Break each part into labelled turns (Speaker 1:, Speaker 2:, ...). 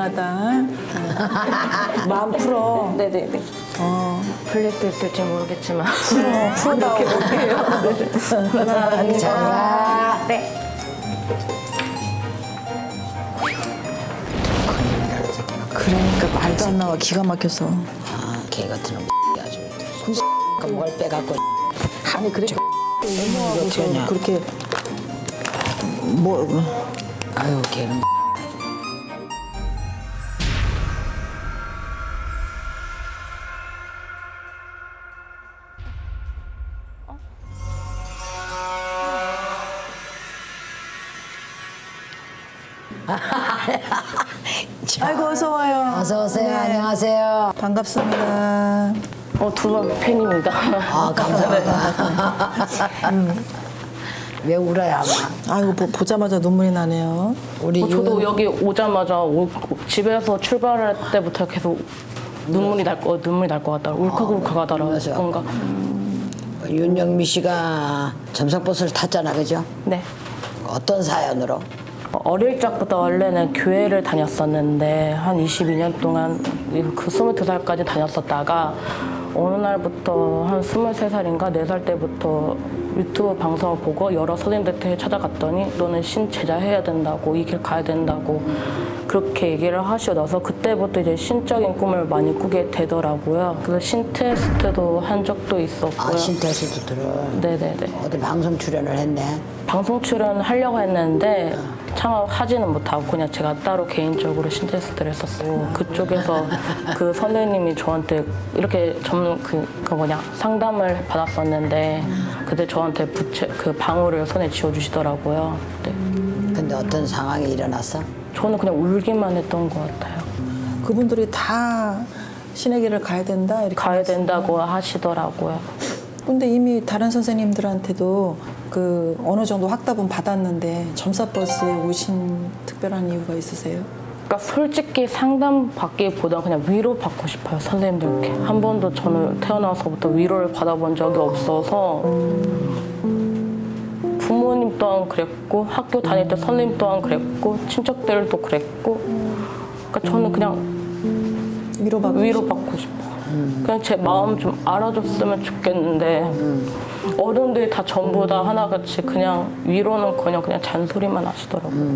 Speaker 1: 미안하다. 마음 풀어.
Speaker 2: 네네네. 풀릴 수 있을지 모르겠지만
Speaker 1: 풀어다 올게요.
Speaker 3: 잘 가.
Speaker 2: 네.
Speaker 1: 그러니까 말도 안 나와. 기가 막혀서.
Speaker 3: 아, 개 같은 놈 아주. 뭘 빼갖고.
Speaker 1: 아니 그래.
Speaker 3: 어떻게 하냐.
Speaker 1: 그렇게 뭐
Speaker 3: 아유, 걔는.
Speaker 1: 아이고 어서 와요.
Speaker 3: 어서 오세요.
Speaker 1: 네.
Speaker 3: 안녕하세요.
Speaker 1: 반갑습니다.
Speaker 2: 두 번 팬입니다.
Speaker 3: 아, 감사합니다. 왜 울어요, 아마?
Speaker 1: 아이고 보자마자 눈물이 나네요.
Speaker 3: 우리
Speaker 2: 저도 여기 오자마자 집에서 출발할 때부터 계속 눈물이 날 것 같더라고요. 울컥울컥하더라고요.
Speaker 3: 맞아.
Speaker 2: 뭔가.
Speaker 3: 윤영미 씨가 점성버스를 탔잖아, 그죠?
Speaker 2: 네.
Speaker 3: 어떤 사연으로?
Speaker 2: 어릴 적부터 원래는 교회를 다녔었는데 한 22년 동안 그 22살까지 다녔었다가 어느 날부터 한 23살인가 4살 때부터 유튜브 방송을 보고 여러 선생님들한테 찾아갔더니 너는 신제자 해야 된다고 이 길 가야 된다고 그렇게 얘기를 하시고 나서 그때부터 이제 신적인 꿈을 많이 꾸게 되더라고요. 그래서 신 테스트도 한 적도 있었고요.
Speaker 3: 아, 신테스트를.
Speaker 2: 네네네.
Speaker 3: 어디 방송 출연을 했네.
Speaker 2: 방송 출연하려고 했는데 창업하지는 못하고 그냥 제가 따로 개인적으로 신테스트를 했었고 그쪽에서 그 선생님이 저한테 이렇게 상담을 받았었는데 그때 저한테 그 방울을 손에 쥐어주시더라고요. 네.
Speaker 3: 근데 어떤 상황이 일어났어?
Speaker 2: 저는 그냥 울기만 했던 것 같아요.
Speaker 1: 그분들이 다 신의 길을 가야 된다 이렇게.
Speaker 2: 가야 된다고 하시더라고요.
Speaker 1: 근데 이미 다른 선생님들한테도 그 어느 정도 확답은 받았는데 점사버스에 오신 특별한 이유가 있으세요?
Speaker 2: 그러니까 솔직히 상담 받기보다 그냥 위로 받고 싶어요, 선생님들께. 한 번도 저는 태어나서부터 위로를 받아본 적이 없어서 부모님 또한 그랬고 학교 다닐 때 선생님 또한 그랬고 친척들도 그랬고 그러니까 저는 그냥 위로받고 싶어요. 그냥 제 마음 좀 알아줬으면 좋겠는데 어른들이 다 전부 다 하나같이 그냥 위로는커녕 그냥 잔소리만 하시더라고요.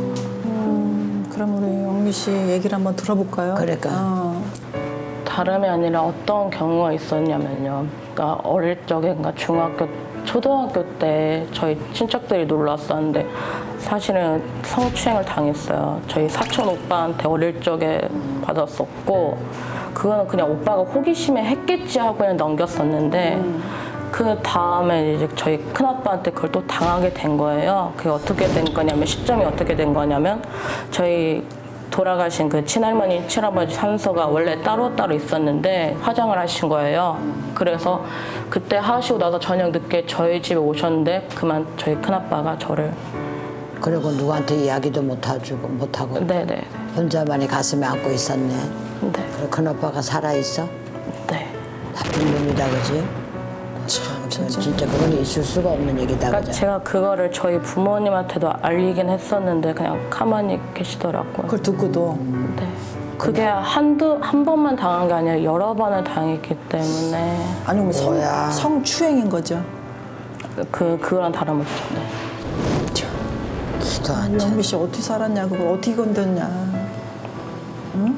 Speaker 1: 그럼 우리 영미 씨 얘기를 한번 들어볼까요?
Speaker 3: 그러니까.
Speaker 2: 다름이 아니라 어떤 경우가 있었냐면요. 그러니까 어릴 적에 그러니까 초등학교 때 저희 친척들이 놀러 왔었는데 사실은 성추행을 당했어요. 저희 사촌 오빠한테 어릴 적에 받았었고 그거는 그냥 오빠가 호기심에 했겠지 하고 그냥 넘겼었는데 그 다음에 이제 저희 큰아빠한테 그걸 또 당하게 된 거예요. 그게 어떻게 된 거냐면 시점이 어떻게 된 거냐면 저희 돌아가신 그 친할머니, 친아버지 산소가 원래 따로따로 있었는데 화장을 하신 거예요. 그래서 그때 하시고 나서 저녁 늦게 저희 집에 오셨는데 그만 저희 큰아빠가 저를
Speaker 3: 그리고 누구한테 이야기도 못하고
Speaker 2: 네네.
Speaker 3: 혼자만이 가슴에 안고 있었네.
Speaker 2: 네.
Speaker 3: 그리고 큰오빠가 살아있어?
Speaker 2: 네.
Speaker 3: 나쁜 놈이다, 그지? 진짜 그건 있을 수가 없는 얘기다,
Speaker 2: 그러니까
Speaker 3: 그죠?
Speaker 2: 제가 그거를 저희 부모님한테도 알리긴 했었는데 그냥 가만히 계시더라고요.
Speaker 1: 그걸 듣고도
Speaker 2: 네. 그게 한 번만 당한 게 아니라 여러 번을 당했기 때문에
Speaker 1: 아니 그럼
Speaker 3: 뭐야.
Speaker 1: 성추행인 거죠?
Speaker 2: 그거랑 다름없죠. 네.
Speaker 3: 기도 안 차.
Speaker 1: 영미 씨 어떻게 살았냐, 그걸 어떻게 견뎠냐, 응?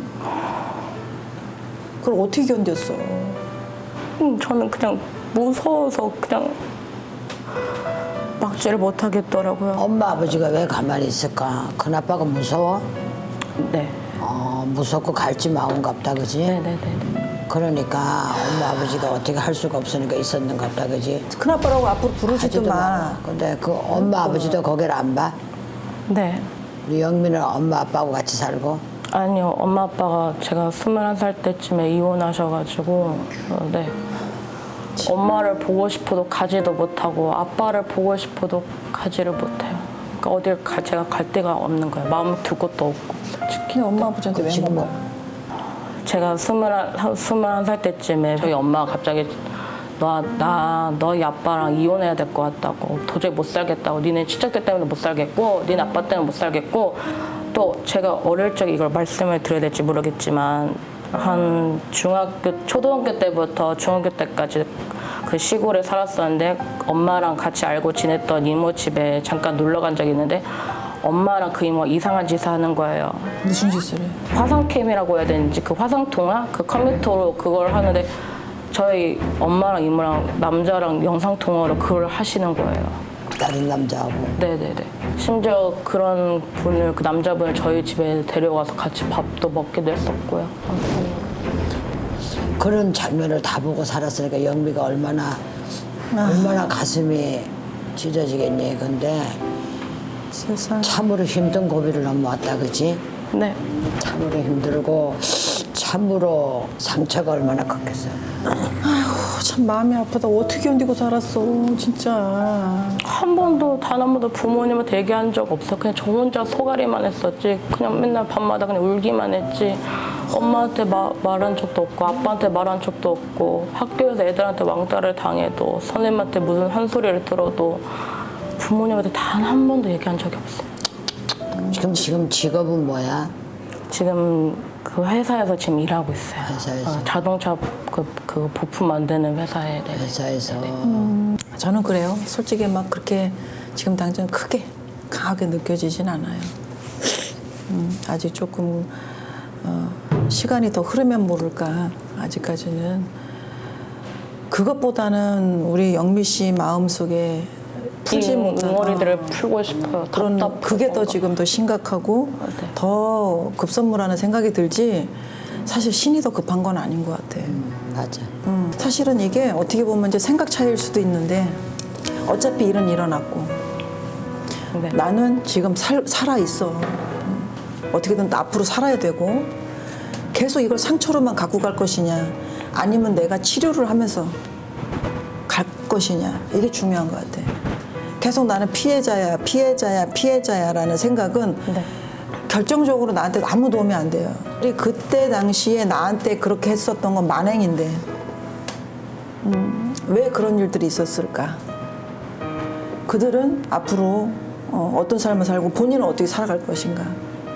Speaker 1: 그걸 어떻게 견뎠어?
Speaker 2: 저는 그냥 무서워서 그냥 막지를 못하겠더라고요.
Speaker 3: 엄마 아버지가 왜 가만히 있을까? 큰아빠가 무서워?
Speaker 2: 네.
Speaker 3: 무섭고 갈지 마음갑다, 그지?
Speaker 2: 네네네.
Speaker 3: 그러니까 엄마 아버지가 어떻게 할 수가 없으니까 있었는갑다, 그지?
Speaker 1: 큰아빠라고 앞으로 부르지도
Speaker 3: 하지도
Speaker 1: 마.
Speaker 3: 마. 근데 그 엄마 아버지도 거기를 안 봐?
Speaker 2: 네.
Speaker 3: 우리 영민은 엄마 아빠하고 같이 살고?
Speaker 2: 아니요. 엄마 아빠가 제가 21살 때쯤에 이혼하셔가지고 네. 엄마를 보고 싶어도 가지도 못하고 아빠를 보고 싶어도 가지를 못해요. 그러니까 어딜 제가 갈 데가 없는 거예요. 마음 둘 곳도 없고 솔직히.
Speaker 1: 근데 엄마 아버지한테 왜
Speaker 3: 지금
Speaker 1: 먹어?
Speaker 2: 제가 21살 때쯤에 저희 엄마가 갑자기 너희 아빠랑 이혼해야 될 것 같다고 도저히 못 살겠다고 니네 친척들 때문에 못 살겠고 니네 아빠 때문에 못 살겠고 또 제가 어릴 적에 이걸 말씀을 드려야 될지 모르겠지만 한 초등학교 때부터 중학교 때까지 그 시골에 살았었는데 엄마랑 같이 알고 지냈던 이모 집에 잠깐 놀러 간 적이 있는데 엄마랑 그 이모가 이상한 짓을 하는 거예요.
Speaker 1: 무슨 짓을 해?
Speaker 2: 화상캠이라고 해야 되는지 그 화상통화? 그 컴퓨터로 그걸 하는데 저희 엄마랑 이모랑 남자랑 영상통화로 그걸 하시는 거예요.
Speaker 3: 다른 남자하고.
Speaker 2: 네네네. 심지어 그런 분을, 그 남자분을 저희 집에 데려가서 같이 밥도 먹기도 했었고요.
Speaker 3: 그런 장면을 다 보고 살았으니까 영미가 얼마나 가슴이 찢어지겠니. 근데
Speaker 1: 세상.
Speaker 3: 참으로 힘든 고비를 넘어왔다, 그지?
Speaker 2: 네.
Speaker 3: 참으로 힘들고 참으로 상처가 얼마나 컸겠어.
Speaker 1: 참 마음이 아프다. 어떻게 견디고 살았어, 진짜.
Speaker 2: 한 번도, 단 한 번도 부모님한테 얘기한 적 없어. 그냥 저 혼자 소가리만 했었지. 그냥 맨날 밤마다 그냥 울기만 했지. 엄마한테 말한 적도 없고, 아빠한테 말한 적도 없고, 학교에서 애들한테 왕따를 당해도, 선생님한테 무슨 한 소리를 들어도 부모님한테 단 한 번도 얘기한 적이 없어요.
Speaker 3: 지금 직업은 뭐야?
Speaker 2: 지금 그 회사에서 지금 일하고 있어요.
Speaker 3: 회사에서?
Speaker 2: 자동차 그 부품 만드는 회사에. 네.
Speaker 3: 회사에서.
Speaker 1: 저는 그래요. 솔직히 막 그렇게 지금 당장 크게 강하게 느껴지진 않아요. 아직 조금 시간이 더 흐르면 모를까. 아직까지는. 그것보다는 우리 영미 씨 마음속에 풀지 못한
Speaker 2: 응어리들을 풀고 싶어요.
Speaker 1: 그런 그게 더 지금 더 심각하고
Speaker 2: 네.
Speaker 1: 더 급선무라는 생각이 들지. 사실 신이 더 급한 건 아닌 것 같아.
Speaker 3: 맞아.
Speaker 1: 사실은 이게 어떻게 보면 이제 생각 차이일 수도 있는데 어차피 일은 일어났고
Speaker 2: 네.
Speaker 1: 나는 지금 살아 있어. 어떻게든 앞으로 살아야 되고 계속 이걸 상처로만 갖고 갈 것이냐 아니면 내가 치료를 하면서 갈 것이냐 이게 중요한 것 같아. 계속 나는 피해자야라는 생각은
Speaker 2: 네.
Speaker 1: 결정적으로 나한테 아무 도움이 안 돼요. 그때 당시에 나한테 그렇게 했었던 건 만행인데 왜 그런 일들이 있었을까? 그들은 앞으로 어떤 삶을 살고 본인은 어떻게 살아갈 것인가?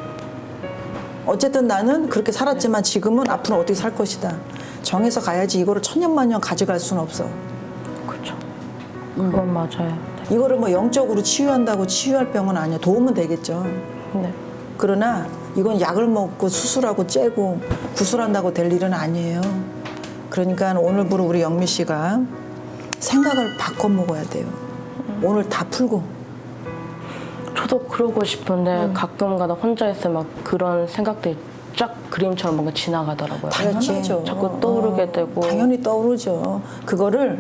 Speaker 1: 어쨌든 나는 그렇게 살았지만 지금은 앞으로 어떻게 살 것이다. 정해서 가야지 이거를 천년만년 가져갈 수는 없어.
Speaker 2: 그렇죠. 그건 맞아요.
Speaker 1: 이거를 뭐 영적으로 치유한다고 치유할 병은 아니야. 도움은 되겠죠.
Speaker 2: 네.
Speaker 1: 그러나 이건 약을 먹고 수술하고 째고 구술한다고 될 일은 아니에요. 그러니까 오늘부로 우리 영미 씨가 생각을 바꿔 먹어야 돼요. 오늘 다 풀고.
Speaker 2: 저도 그러고 싶은데 가끔가다 혼자 있으면 막 그런 생각들이 쫙 그림처럼 뭔가 지나가더라고요.
Speaker 1: 당연하죠.
Speaker 2: 자꾸 떠오르게 되고.
Speaker 1: 당연히 떠오르죠. 그거를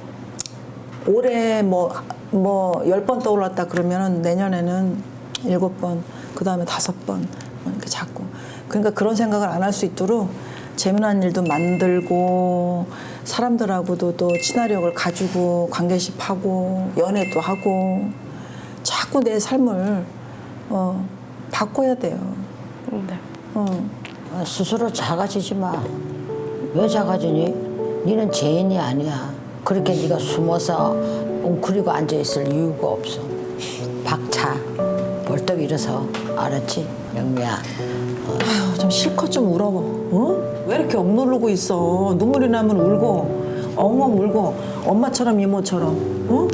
Speaker 1: 올해 뭐 10번 떠올랐다 그러면은 내년에는 7번, 그 다음에 5번 이렇게 자꾸. 그러니까 그런 생각을 안 할 수 있도록 재미난 일도 만들고 사람들하고도 또 친화력을 가지고 관계십하고 연애도 하고 자꾸 내 삶을 바꿔야 돼요.
Speaker 2: 네.
Speaker 3: 스스로 작아지지 마. 왜 작아지니? 니는 죄인이 아니야. 그렇게 네가 숨어서 웅크리고 앉아있을 이유가 없어. 박차. 벌떡 일어서. 알았지? 영미야.
Speaker 1: 아휴, 좀 실컷 좀 울어. 왜 이렇게 억누르고 있어? 눈물이 나면 울고 엉엉 울고 엄마처럼 이모처럼.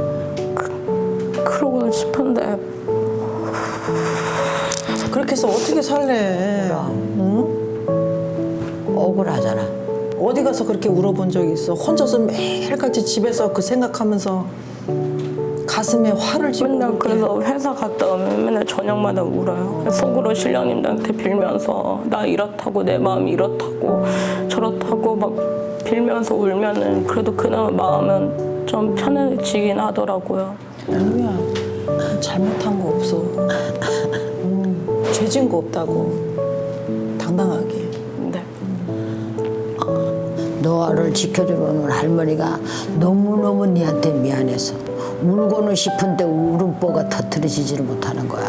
Speaker 2: 그러고는 싶은데
Speaker 1: 그렇게 해서 어떻게 살래?
Speaker 3: 억울하잖아.
Speaker 1: 어디 가서 그렇게 울어본 적이 있어? 혼자서 매일같이 집에서 그 생각하면서 가슴에 화를 지고
Speaker 2: 맨날
Speaker 1: 그렇게.
Speaker 2: 그래서 회사 갔다 오면 맨날 저녁마다 울어요. 속으로 신령님들한테 빌면서 나 이렇다고 내 마음이 이렇다고 저렇다고 막 빌면서 울면은 그래도 그나마 마음은 좀 편해지긴 하더라고요.
Speaker 1: 영미야, 잘못한 거 없어. 죄진 거 없다고. 당당하게.
Speaker 2: 네.
Speaker 3: 너를 지켜주는 할머니가 너무너무 니한테 미안해서 울고는 싶은데 울음보가 터트려지지를 못하는 거야.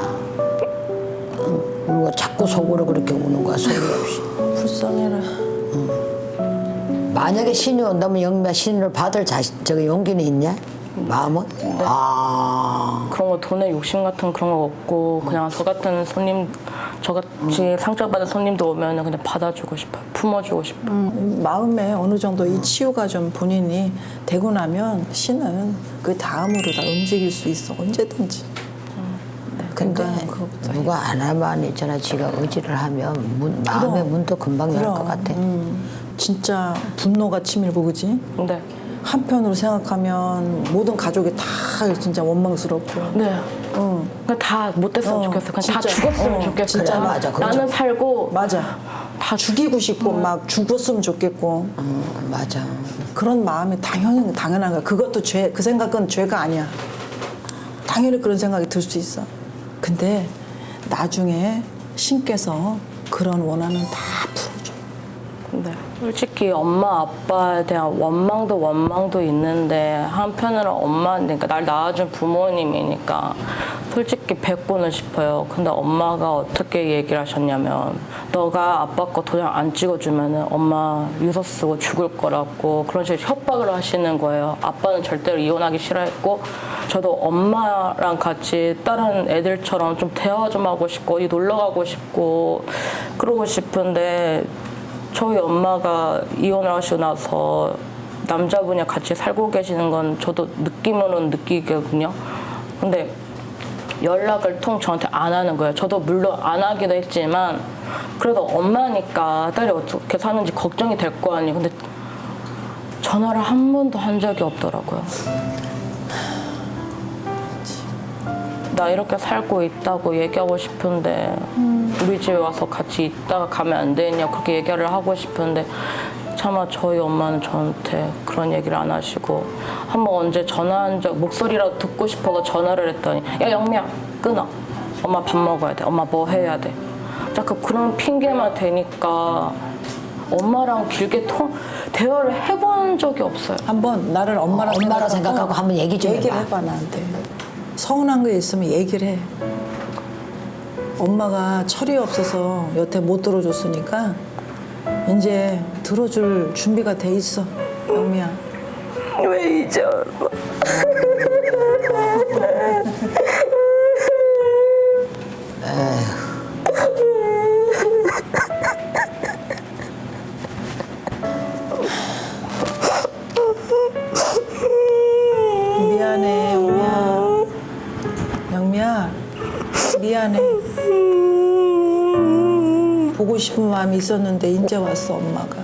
Speaker 3: 울고 자꾸 속으로 그렇게 우는 거야, 소리 없이.
Speaker 1: 불쌍해라.
Speaker 3: 만약에 신이 온다면 영미야 신을 받을 용기는 있냐? 마음은? 아.
Speaker 2: 그런 거 돈에 욕심 같은 그런 거 없고 그냥 저 같은 손님 저같이 상처받은 손님도 오면 그냥 받아주고 싶어요. 품어주고 싶어요.
Speaker 1: 마음에 어느 정도 이 치유가 좀 본인이 되고 나면 신은 그 다음으로 다 움직일 수 있어 언제든지.
Speaker 3: 근데
Speaker 1: 그러니까 그거부터
Speaker 3: 누가 안 하면 있잖아. 지가 의지를 하면 마음의 문도 금방 열 것 같아.
Speaker 1: 진짜 분노가 치밀고 그지?
Speaker 2: 네.
Speaker 1: 한편으로 생각하면 모든 가족이 다 진짜 원망스럽고.
Speaker 2: 네. 그러니까 다 못됐으면 좋겠어. 그냥 다
Speaker 1: 진짜.
Speaker 2: 죽었으면 좋겠어.
Speaker 1: 진짜
Speaker 3: 그래, 맞아. 그거
Speaker 2: 나는 살고
Speaker 1: 맞아. 다 죽이고 싶고 막 죽었으면 좋겠고
Speaker 3: 맞아.
Speaker 1: 그런 마음이 당연한 거야. 그것도 죄, 그 생각은 죄가 아니야. 당연히 그런 생각이 들 수 있어. 근데 나중에 신께서 그런 원한은 다 풀어줘.
Speaker 2: 네. 솔직히 엄마 아빠에 대한 원망도 있는데 한편으로 그러니까 날 낳아준 부모님이니까 솔직히 뵙고는 싶어요. 근데 엄마가 어떻게 얘기를 하셨냐면 너가 아빠 거 도장 안 찍어주면은 엄마 유서 쓰고 죽을 거라고 그런 식으로 협박을 하시는 거예요. 아빠는 절대로 이혼하기 싫어했고 저도 엄마랑 같이 다른 애들처럼 좀 대화 좀 하고 싶고 어디 놀러 가고 싶고 그러고 싶은데 저희 엄마가 이혼을 하시고 나서 남자분이 같이 살고 계시는 건 저도 느낌으로는 느끼거든요. 근데 연락을 저한테 안 하는 거예요. 저도 물론 안 하기도 했지만 그래도 엄마니까 딸이 어떻게 사는지 걱정이 될 거 아니에요. 근데 전화를 한 번도 한 적이 없더라고요. 나 이렇게 살고 있다고 얘기하고 싶은데 우리 집에 와서 같이 있다가 가면 안 되냐 그렇게 얘기를 하고 싶은데 차마 저희 엄마는 저한테 그런 얘기를 안 하시고 한번 언제 전화한 적 목소리라도 듣고 싶어서 전화를 했더니 야 영미야 끊어 엄마 밥 먹어야 돼 엄마 뭐 해야 돼 자꾸 그런 핑계만 대니까 엄마랑 길게 대화를 해본 적이 없어요.
Speaker 1: 한번 나를 엄마라
Speaker 3: 생각하고 한번 얘기 좀
Speaker 1: 얘기를
Speaker 3: 해봐.
Speaker 1: 해봐 나한테. 서운한 거 있으면 얘기를 해. 엄마가 철이 없어서 여태 못 들어줬으니까 이제 들어줄 준비가 돼 있어, 영미야.
Speaker 2: 왜 이제
Speaker 1: 미안해, 영미야. 영미야, 미안해. 보고 싶은 마음이 있었는데 이제 왔어, 엄마가.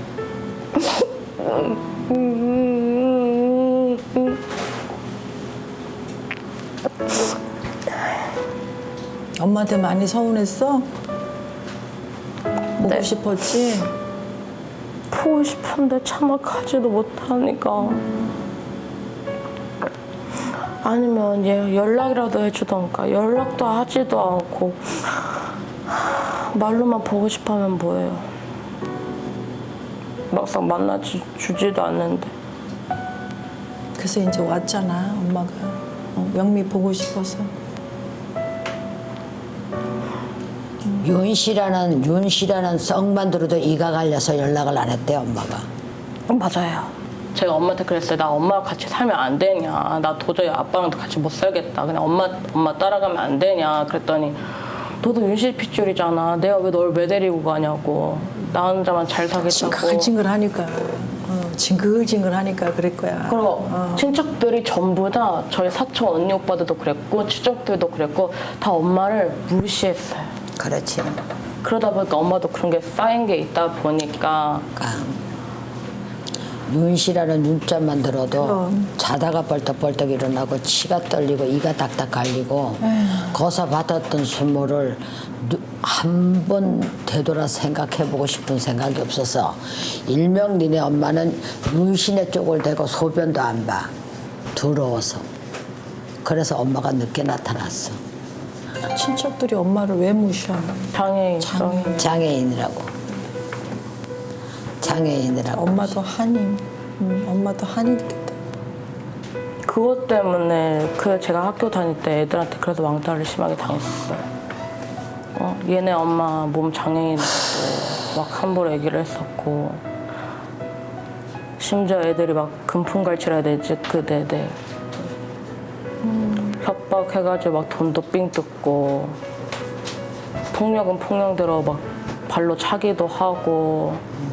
Speaker 1: 엄마한테 많이 서운했어? 보고
Speaker 2: 네.
Speaker 1: 싶었지?
Speaker 2: 보고 싶은데 차마 가지도 못하니까 아니면 얘 연락이라도 해주던가 연락도 하지도 않고 말로만 보고 싶으면 뭐예요. 막상 만나주지도 않는데
Speaker 1: 그래서 이제 왔잖아, 엄마가. 영미 보고 싶어서.
Speaker 3: 윤 씨라는 썩만 들어도 이가 갈려서 연락을 안 했대 엄마가.
Speaker 2: 맞아요. 제가 엄마한테 그랬어요. 나 엄마랑 같이 살면 안 되냐. 나 도저히 아빠랑 같이 못 살겠다. 그냥 엄마 따라가면 안 되냐. 그랬더니 너도 윤씨 핏줄이잖아. 내가 왜 널 왜 데리고 가냐고. 나 혼자만 잘 사겠다고.
Speaker 1: 징글징글하니까. 징글징글하니까 그럴 거야.
Speaker 2: 그리고 친척들이 전부 다 저희 사촌 언니 오빠들도 그랬고 친척들도 그랬고 다 엄마를 무시했어요.
Speaker 3: 그렇지.
Speaker 2: 그러다 보니까 엄마도 그런 게 쌓인 게 있다 보니까
Speaker 3: 그러니까 윤 씨라는 윤자만 들어도
Speaker 1: 그럼.
Speaker 3: 자다가 벌떡벌떡 일어나고 치가 떨리고 이가 딱딱 갈리고 거기서 받았던 수모를 한 번 되돌아 생각해보고 싶은 생각이 없어서 일명 니네 엄마는 윤씨네 쪽을 대고 소변도 안 봐. 더러워서. 그래서 엄마가 늦게 나타났어.
Speaker 1: 친척들이 엄마를 왜 무시해?
Speaker 2: 장애인.
Speaker 3: 장애인이라고. 장애인이라고.
Speaker 1: 엄마도 한인. 엄마도 한인이겠다.
Speaker 2: 그것 때문에 제가 학교 다닐 때 애들한테 그래서 왕따를 심하게 당했었어요. 얘네 엄마 몸 장애인이고 막 함부로 얘기를 했었고 심지어 애들이 막 금품갈치라 해야 되지? 네네. 협박해가지고 막 돈도 삥 뜯고 폭력은 폭력대로 막 발로 차기도 하고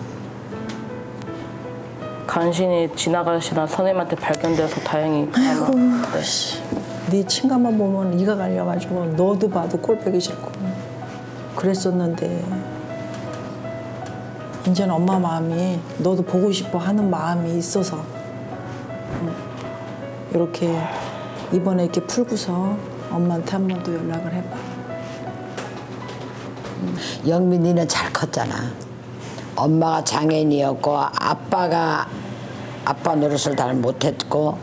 Speaker 2: 간신히 지나가시던 선생님한테 발견돼서 다행히 네.
Speaker 1: 네 친가만 보면 이가 갈려가지고 너도 봐도 꼴 보기 싫고 그랬었는데 이제는 엄마 마음이 너도 보고 싶어 하는 마음이 있어서 이렇게 이번에 이렇게 풀고서 엄마한테 한 번 더 연락을 해봐.
Speaker 3: 영민이는 잘 컸잖아. 엄마가 장애인이었고 아빠가 아빠 노릇을 잘 못했고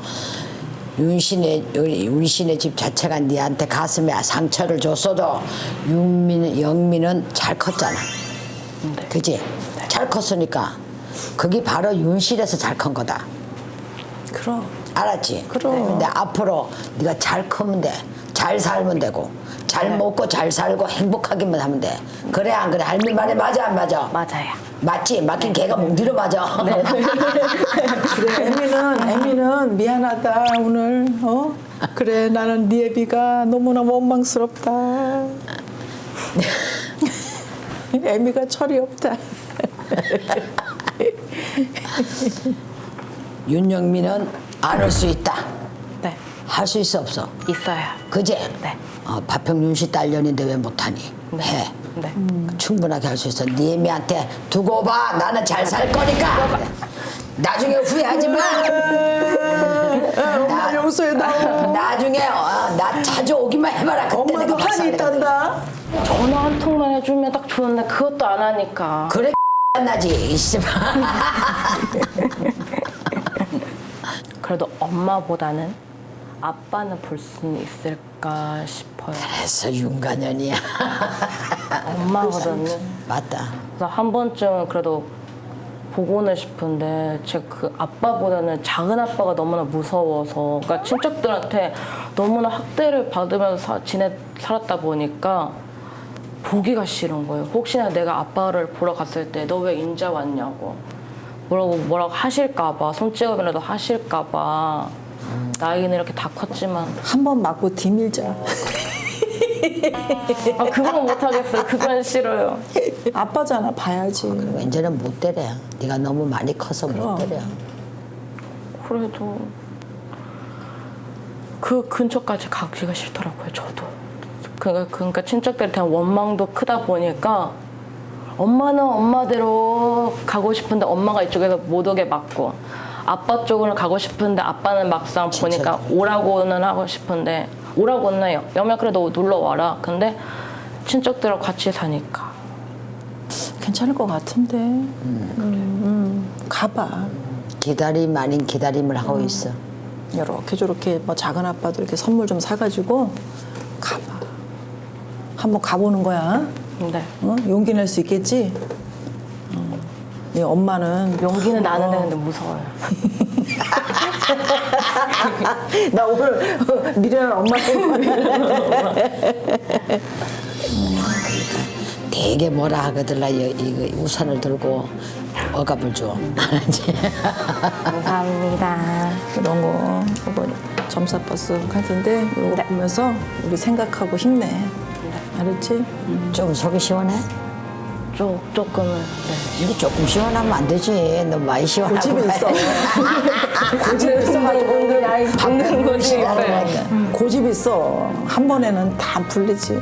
Speaker 3: 윤신의 집 자체가 니한테 가슴에 상처를 줬어도 영민은 잘 컸잖아.
Speaker 2: 네.
Speaker 3: 그지? 잘 컸으니까 그게 바로 윤실에서 잘 큰 거다.
Speaker 1: 그럼.
Speaker 3: 알았지?
Speaker 1: 그럼.
Speaker 3: 근데 앞으로 네가 잘 크면 돼. 잘 살면 되고 잘 먹고 잘 살고 행복하기만 하면 돼. 그래 안 그래? 할머니 말에 맞아 안 맞아?
Speaker 2: 맞아요.
Speaker 3: 맞지? 맞긴 걔가 몽디로 맞아.
Speaker 2: 네.
Speaker 1: 그래 애미는 미안하다 오늘 그래 나는 네 애비가 너무나 원망스럽다. 애미가 철이 없다.
Speaker 3: 윤영민은 안 할 수 있다.
Speaker 2: 네.
Speaker 3: 할 수 있어 없어?
Speaker 2: 있어요.
Speaker 3: 그지?
Speaker 2: 네.
Speaker 3: 박평윤 씨 딸년인데 왜 못하니?
Speaker 2: 네.
Speaker 3: 해.
Speaker 2: 네.
Speaker 3: 충분하게 할 수 있어. 네 애미한테 두고 봐. 나는 잘 살 거니까. 나중에 후회하지 마.
Speaker 1: 엄마 용서해다오.
Speaker 3: 나중에 나 자주 오기만 해봐라. 그때
Speaker 1: 엄마도
Speaker 3: 내가
Speaker 1: 한이 있단다.
Speaker 2: 전화 한 통만 해주면 딱 좋은데 그것도 안 하니까.
Speaker 3: 그래 안 나지. 이씨발.
Speaker 2: 그래도 엄마보다는 아빠는 볼 수는 있을까 싶어요.
Speaker 3: 그래서 윤가년이야.
Speaker 2: 엄마거든요.
Speaker 3: 맞다.
Speaker 2: 그래서 한 번쯤은 그래도 보고는 싶은데 제가 그 아빠보다는 작은 아빠가 너무나 무서워서 그러니까 친척들한테 너무나 학대를 받으면서 살았다 보니까 보기가 싫은 거예요. 혹시나 내가 아빠를 보러 갔을 때 너 왜 인자 왔냐고 뭐라고 하실까 봐 손찌검이라도 하실까 봐 나이는 이렇게 다 컸지만
Speaker 1: 한 번 맞고 뒤밀자.
Speaker 2: 그건 못하겠어요. 그건 싫어요.
Speaker 1: 아빠잖아 봐야지.
Speaker 3: 왠지는 못 때려. 네가 너무 많이 커서 못
Speaker 1: 그럼.
Speaker 3: 때려.
Speaker 2: 그래도 그 근처까지 가기가 싫더라고요. 저도. 그러니까 친척들에 대한 원망도 크다 보니까 엄마는 엄마대로 가고 싶은데 엄마가 이쪽에서 못 오게 막고 아빠 쪽으로 가고 싶은데 아빠는 막상 보니까 오라고는 하고 싶은데 오라고는 해요. 여면 그래도 놀러 와라. 근데 친척들하고 같이 사니까
Speaker 1: 괜찮을 것 같은데. 가봐.
Speaker 3: 기다림 아닌 기다림을 하고 있어.
Speaker 1: 이렇게 저렇게 뭐 작은 아빠도 이렇게 선물 좀 사가지고 가봐. 한번 가보는 거야.
Speaker 2: 네.
Speaker 1: 용기 낼 수 있겠지? 네 엄마는
Speaker 2: 용기는 나는 되는데 무서워요.
Speaker 1: 나 오늘 미련한 엄마의
Speaker 3: 되게 뭐라 하거들라 이거 우산을 들고 억압을 줘. 알았지?
Speaker 2: 감사합니다.
Speaker 1: 그런 거 이거 점사버스 같은데 이거 보면서 우리 생각하고 힘내. 알았지?
Speaker 3: 좀 속이 시원해?
Speaker 2: 조금은 네.
Speaker 3: 근데 조금 시원하면 안 되지. 너무 많이 시원하고.
Speaker 1: 고집이 있어. 고집이 있어가지고
Speaker 2: 받는 거지. 네.
Speaker 1: 고집이 있어. 한 번에는 다 풀리지.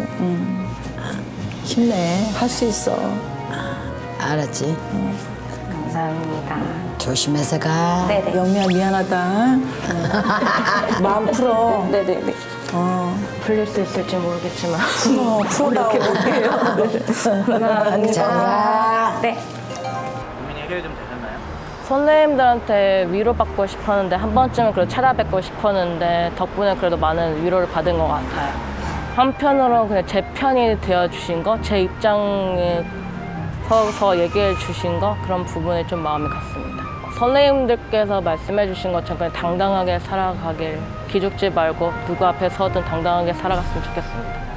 Speaker 1: 힘내. 할 수 있어.
Speaker 3: 알았지?
Speaker 2: 감사합니다.
Speaker 3: 조심해서 가.
Speaker 2: 네네.
Speaker 1: 영미야 미안하다. 마음 풀어.
Speaker 2: 네네네. 풀릴 수 있을지 모르겠지만.
Speaker 1: 풀어다오.
Speaker 3: 자, 가.
Speaker 2: 네.
Speaker 4: 고민이 해결 좀 되셨나요?
Speaker 2: 선생님들한테 위로받고 싶었는데 한 번쯤은 그래도 찾아뵙고 싶었는데 덕분에 그래도 많은 위로를 받은 것 같아요. 한편으로는 그냥 제 편이 되어주신 거, 제 입장에 서서 얘기해 주신 거 그런 부분에 좀 마음이 갔습니다. 선생님들께서 말씀해 주신 것처럼 그냥 당당하게 살아가길 기죽지 말고 누구 앞에 서든 당당하게 살아갔으면 좋겠습니다.